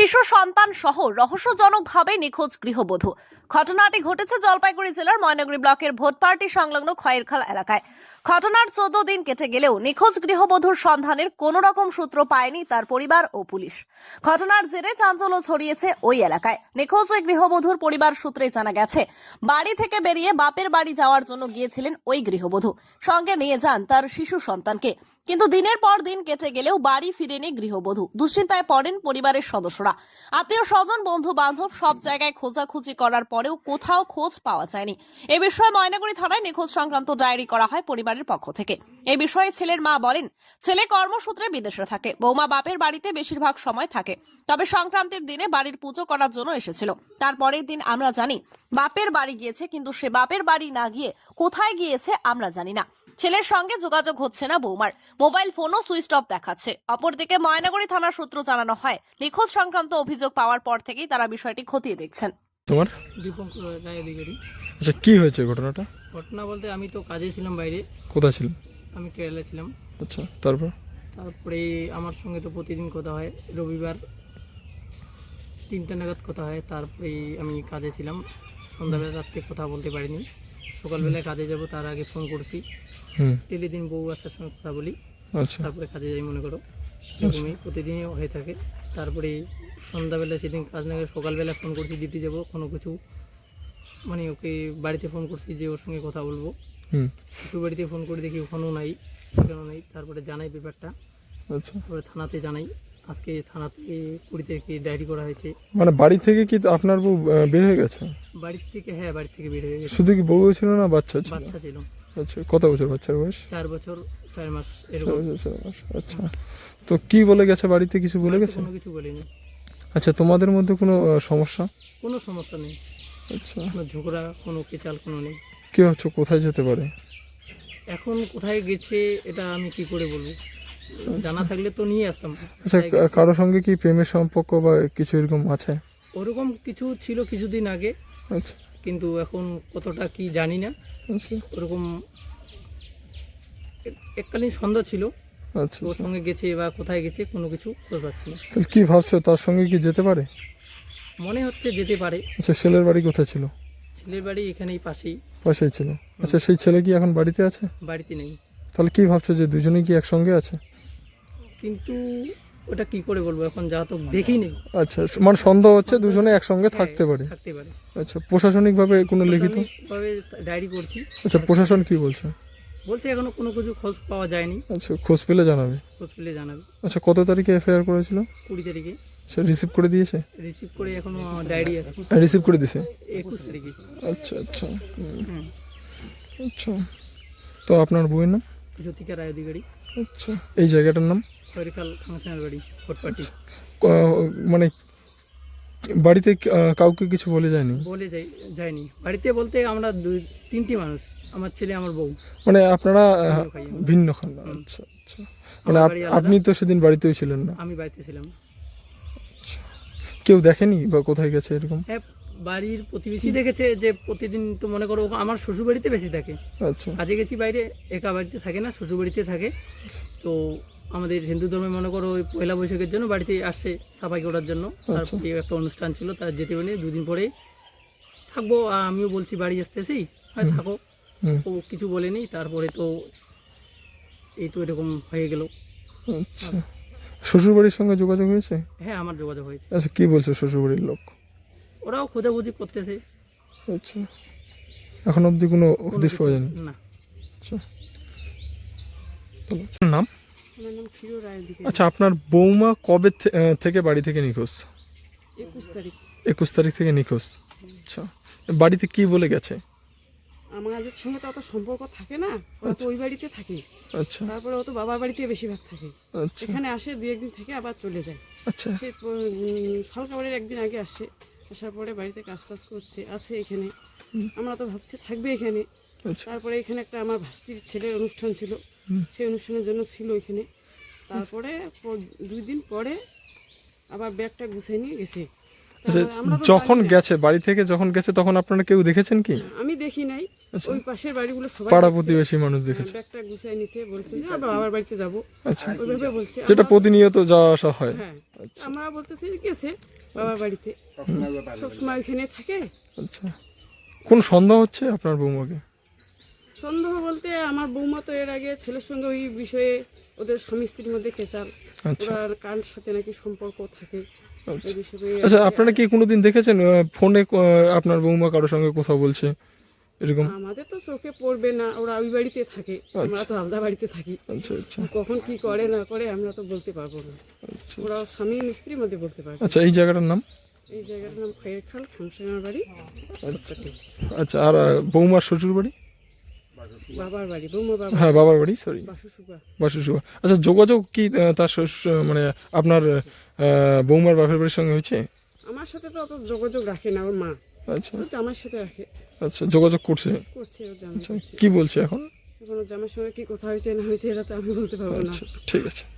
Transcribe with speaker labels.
Speaker 1: শিশু সন্তান সহ রহস্যজনকভাবে নিখোঁজ গৃহবধূ। ঘটনাটি ঘটেছে জলপাইগুড়ি জেলার ময়নাগুড়ি ব্লকের ভোটপার্টি সংলগ্ন খয়েরখাল এলাকায়। ঘটনার 14 দিন কেটে গেলেও নিখোঁজ গৃহবধূর সন্ধানের কোনো রকম সূত্র পায়নি তার পরিবার ও পুলিশ। ঘটনার জেরে চাঞ্চল্য ছড়িয়েছে ওই এলাকায়। নিখোঁজ ওই গৃহবধূর পরিবার সূত্রে জানা গেছে, বাড়ি থেকে বেরিয়ে বাপের বাড়ি যাওয়ার জন্য গিয়েছিলেন ওই গৃহবধূ। সঙ্গে নিয়ে যান তার শিশু সন্তানকে। কিন্তু দিনের পর দিন কেটে গেলেও বাড়ি ফিরেনি গৃহবধূ। দুশ্চিন্তায় পড়েন পরিবারের সদস্যরা। আত্মীয় স্বজন, বন্ধু বান্ধব সব জায়গায় খোঁজাখুঁজি করার পরেও কোথাও খোঁজ পাওয়া যায়নি। এ বিষয়ে ময়নাগুড়ি থানায় নিখোঁজ সংক্রান্ত ডায়েরি করা হয় পরিবারের পক্ষ থেকে। এই বিষয়ে ছেলের মা বলেন, ছেলে কর্মসূত্রে বিদেশে থাকে, বৌমা বাপের বাড়িতে বেশিরভাগ সময় থাকে। তবে সংক্রান্তির দিনে বাড়ির পুজো করার জন্য এসেছিল। তারপরের দিন আমরা জানি বাপের বাড়ি গিয়েছে, কিন্তু সে বাপের বাড়ি না গিয়ে কোথায় গিয়েছে আমরা জানি না। ছেলের সঙ্গে যোগাযোগ হচ্ছে না বৌমার, মোবাইল ফোনও সুইচ অফ দেখাচ্ছে। অপরদিকে ময়নাগুড়ি থানার সূত্র জানানো হয়, নিখোঁজ সংক্রান্ত অভিযোগ পাওয়ার পর থেকেই তারা বিষয়টি খতিয়ে দেখছেন।
Speaker 2: তোমার
Speaker 3: দীপঙ্কর রায় অধিকারী।
Speaker 2: আচ্ছা, কি হয়েছে ঘটনাটা?
Speaker 3: ঘটনা বলতে আমি তো কাজে ছিলাম বাইরে,
Speaker 2: কোথায় ছিল?
Speaker 3: আমি কেরালা ছিলাম।
Speaker 2: আচ্ছা,
Speaker 3: তারপরে আমার সঙ্গে তো প্রতিদিন কথা হয়, রবিবার 3টা নাগাদ কথা হয়। তারপরে আমি কাজে ছিলাম, সন্ধ্যাবেলা রাত্রে কথা বলতে পারিনি। সকালবেলায় কাজে যাব তার আগে ফোন করছি, টেলিদিন বউ বাচ্চার সঙ্গে কথা বলি,
Speaker 2: আচ্ছা,
Speaker 3: তারপরে কাজে যাই, মনে করো এরকমই প্রতিদিনই হয়ে থাকে। তারপরে সন্ধ্যাবেলা সেদিন কাজ না করে সকালবেলা ফোন করছি, ডিউটি যাব, কোনো কিছু মানে ওকে বাড়িতে ফোন করছি যে ওর সঙ্গে কথা বলবো। শ্বশুর বাড়িতে ফোন করে দেখি ওখানেও নাই, সেখানেও নাই। তারপরে জানাই ব্যাপারটা,
Speaker 2: আচ্ছা।
Speaker 3: তারপরে থানাতে জানাই। আজকে থানাতে 20 তারিখে ডায়েরি করা হয়েছে।
Speaker 2: মানে বাড়ি থেকে কি আপনার বউ বের হয়ে গেছে?
Speaker 3: বাড়ি থেকে, হ্যাঁ, বাড়ি থেকে বের হয়ে গেছে।
Speaker 2: শুধু কি বউ ছিল না বাচ্চা ছিল?
Speaker 3: বাচ্চা ছিল।
Speaker 2: আচ্ছা, কত বছর বাচ্চার বয়স?
Speaker 3: 4 বছর 4 মাস
Speaker 2: 4
Speaker 3: এরকম।
Speaker 2: বছর 4 মাস। আচ্ছা, তো কি বলে গেছে বাড়িতে? কিছু বলে গেছে?
Speaker 3: কোনো কিছু বলিনি।
Speaker 2: আচ্ছা, তোমাদের মধ্যে কোনো সমস্যা?
Speaker 3: কোনো সমস্যা নেই,
Speaker 2: আচ্ছা,
Speaker 3: কোনো ঝগড়া, কোনো কেচাল কোনো নেই।
Speaker 2: কি হচ্ছে, কোথায় যেতে পারে?
Speaker 3: এখন কোথায় গেছে এটা আমি কি করে বলবো? জানা থাকলে তো নিয়ে আসতাম।
Speaker 2: আচ্ছা, কারো সঙ্গে কি প্রেমের সম্পর্ক বা কিছু এরকম আছে?
Speaker 3: ওরকম কিছু ছিল কিছুদিন আগে,
Speaker 2: আচ্ছা,
Speaker 3: কিন্তু এখন কতটা কি জানি না।
Speaker 2: আচ্ছা,
Speaker 3: ওরকম এককালীন সন্ধ্যা ছিল,
Speaker 2: আচ্ছা।
Speaker 3: ওর সঙ্গে গেছে বা কোথায় গেছে কোনো কিছু খোঁজ পাচ্ছি না।
Speaker 2: তাহলে কি ভাবছো, তার সঙ্গে কি যেতে পারে?
Speaker 3: মনে হচ্ছে যেতে পারে।
Speaker 2: আচ্ছা, ছেলের বাড়ি কোথায় ছিল?
Speaker 3: ছেলের বাড়ি এখানেই পাশেই।
Speaker 2: পাশেই ছিল। আচ্ছা, সেই ছেলে কি এখন বাড়িতে আছে?
Speaker 3: বাড়িতে নেই।
Speaker 2: তাহলে কি ভাবছো, যে দুজনেই কি একসঙ্গে আছে?
Speaker 3: কিন্তু ওটা কি করে বলবো, এখন যা তো দেখি নেই।
Speaker 2: আচ্ছা, মানে সন্দেহ হচ্ছে দুজনে একসঙ্গে থাকতে পারে।
Speaker 3: থাকতে পারে।
Speaker 2: আচ্ছা, প্রশাসনিকভাবে কোনো লিখিত?
Speaker 3: ভাবে ডায়েরি করছি।
Speaker 2: আচ্ছা, প্রশাসন কি বলছে?
Speaker 3: বলছে এখনো কোনো কিছু খোঁজ পাওয়া যায়নি,
Speaker 2: আচ্ছা, খোঁজ পেলে জানাবে।
Speaker 3: খোঁজ পেলে জানাবে।
Speaker 2: আচ্ছা, কত তারিখে এফআইআর করেছিল?
Speaker 3: 20 তারিখে
Speaker 2: সে রিসিভ করে দিয়েছে?
Speaker 3: রিসিভ করে এখনো ডায়েরি আছে।
Speaker 2: রিসিভ করে দিয়েছে?
Speaker 3: 21 তারিখে।
Speaker 2: আচ্ছা, আচ্ছা, আচ্ছা। তো আপনার বউয়ের নাম?
Speaker 3: জ্যোতিকা রায় অধিকারী।
Speaker 2: আচ্ছা, এই জায়গাটার নাম?
Speaker 3: খয়রিখাল ফাংশনাল বাড়ি, ভোটপাটি।
Speaker 2: মানে বাড়িতে কাউকে কিছু বলে যায়নি?
Speaker 3: বলে যায়নি। বাড়িতে বলতে আমরা 2-3টি মানুষ, আমার ছেলে, আমার বউ।
Speaker 2: মানে আপনারা
Speaker 3: খাই।
Speaker 2: ভিন্ন খান? আচ্ছা, আচ্ছা। মানে
Speaker 3: আমার বাড়ি আলাদা।
Speaker 2: আপনি তো সেদিন বাড়িতেও ছিলেন না?
Speaker 3: আমি বাড়িতে ছিলাম।
Speaker 2: কেউ দেখেনি বা কোথায় গেছে এরকম?
Speaker 3: হ্যাঁ, বাড়ির প্রতিবেশী দেখেছে যে প্রতিদিন তো মনে করো আমার শ্বশুর বাড়িতে বেশি থাকে।
Speaker 2: আচ্ছা,
Speaker 3: কাজে গেছি বাইরে, একা বাড়িতে থাকে না, শ্বশুর বাড়িতে থাকে। তো আমাদের হিন্দু ধর্মে মনে করো ওই পয়লা বৈশাখের জন্য বাড়িতে আসছে সাফাই করার জন্য। তারপরে একটা অনুষ্ঠান ছিল, তার যেতে পারিনি। 2 দিন পরেই থাকবো। আর আমিও বলছি বাড়ি আসতেছি, হয় থাকো। ও কিছু বলেনি। তারপরে তো এই তো এরকম হয়ে গেল।
Speaker 2: আচ্ছা। শ্বশুরবাড়ির সঙ্গে যোগাযোগ হয়েছে?
Speaker 3: হ্যাঁ, আমার যোগাযোগ হয়েছে।
Speaker 2: আচ্ছা, কি বলছে শ্বশুরবাড়ির লোক?
Speaker 3: ওরাও খোঁজাখুঁজি করতেছে।
Speaker 2: আচ্ছা, এখন অবধি কোনো হদিশ পাওয়া যায়নি?
Speaker 3: না।
Speaker 2: আচ্ছা, নাম?
Speaker 4: আমার নাম ক্ষীর রায় অধিকারী।
Speaker 2: আচ্ছা, আপনার বৌমা কবে থেকে বাড়ি থেকে নিখোঁজ?
Speaker 4: 21 তারিখ।
Speaker 2: 21 তারিখ থেকে নিখোঁজ। আচ্ছা, বাড়িতে কি বলে গেছে?
Speaker 4: আমাদের সঙ্গে তো অত সম্পর্ক থাকে না, ওরা তো ওই বাড়িতে থাকে।
Speaker 2: আচ্ছা,
Speaker 4: তারপরে ও তো বাবার বাড়িতে বেশিরভাগ থাকে।
Speaker 2: আচ্ছা,
Speaker 4: এখানে আসে 2-1 দিন থেকে আবার চলে যায়।
Speaker 2: আচ্ছা,
Speaker 4: সে সরকারের একদিন আগে আসে, আসার পরে বাড়িতে কাজ টাজ করছে, আছে এখানে। আমরা তো ভাবছি থাকবে এখানে।
Speaker 2: আচ্ছা,
Speaker 4: তারপরে এখানে একটা আমার ভাস্তির ছেলের অনুষ্ঠান ছিল, সেই অনুষ্ঠানের জন্য ছিল এখানে। তারপরে 2 দিন পরে আবার ব্যাগটা গুছিয়ে নিয়ে গেছে।
Speaker 2: আচ্ছা।
Speaker 4: আমরা তো
Speaker 2: যখন
Speaker 4: জানি না।
Speaker 2: গেছে, বাড়ি থেকে যখন গেছে, তখন আপনারা কেউ দেখেছেন কি?
Speaker 4: আমি দেখি নাই,
Speaker 2: আচ্ছা।
Speaker 4: ওই পাশের বাড়িগুলো সবাই
Speaker 2: পাড়া
Speaker 4: দেখছে।
Speaker 2: প্রতিবেশী মানুষ দেখেছে?
Speaker 4: ব্যাগটা গুছিয়ে নিচে বলছে যে আবার বাবার বাড়িতে যাবো,
Speaker 2: আচ্ছা,
Speaker 4: ওইভাবে বলছে।
Speaker 2: যেটা প্রতিনিয়ত যাওয়া আসা হয়?
Speaker 4: হ্যাঁ,
Speaker 2: আচ্ছা,
Speaker 4: আমরা বলতেছি গেছে, বাবার বাড়িতে সবসময় ওইখানে থাকে।
Speaker 2: আচ্ছা, কোন সন্দেহ হচ্ছে আপনার বৌমাকে?
Speaker 4: সন্দেহ বলতে আমার বৌমা তো এর আগে ছেলের সঙ্গে ওই বিষয়ে ওদের স্বামী স্ত্রীর মধ্যে খেচাল,
Speaker 2: আচ্ছা
Speaker 4: ওরা কার সাথে নাকি সম্পর্ক থাকে এই বিষয়ে।
Speaker 2: আচ্ছা, আপনারা কি কোনোদিন দেখেছেন ফোনে আপনার বৌমা কারোর সঙ্গে কথা বলছে এরকম?
Speaker 4: আমাদের তো চোখে পড়বে না, ওরা ওই বাড়িতে থাকে, আমরা তো আলাদা বাড়িতে থাকি।
Speaker 2: আচ্ছা আচ্ছা
Speaker 4: কখন কি করে না করে আমরা তো বলতে পারবো না,
Speaker 2: আচ্ছা
Speaker 4: ওরা স্বামী স্ত্রীর মধ্যে বলতে পারবে।
Speaker 2: আচ্ছা, এই জায়গাটার নাম?
Speaker 4: এই জায়গাটার নাম খয়েরখাল, খামসাঙার বাড়ি।
Speaker 2: আচ্ছা, আর বৌমার শ্বশুর বাড়ি?
Speaker 4: বাবার বাড়ি, বৌমা বাবা,
Speaker 2: হ্যাঁ, বাবার বাড়ি, সরি,
Speaker 4: বাসুসুগা।
Speaker 2: বাসুসুয়া। আচ্ছা, যোগাযোগ কি তার মানে আপনার বৌমার বাপের বাড়ির সঙ্গে হয়েছে?
Speaker 4: আমার সাথে তো অত যোগাযোগ রাখে না ওর মা,
Speaker 2: আচ্ছা
Speaker 4: ওর জামার সাথে রাখে,
Speaker 2: আচ্ছা, যোগাযোগ করছে?
Speaker 4: করছে ওর জামাই
Speaker 2: আচ্ছা,
Speaker 4: করছে।
Speaker 2: কি বলছে এখন?
Speaker 4: এখন ওর জামার সঙ্গে কি কথা হয়েছে না হয়েছে এটা তো আমি বলতে পারবো না।
Speaker 2: আচ্ছা, ঠিক আছে।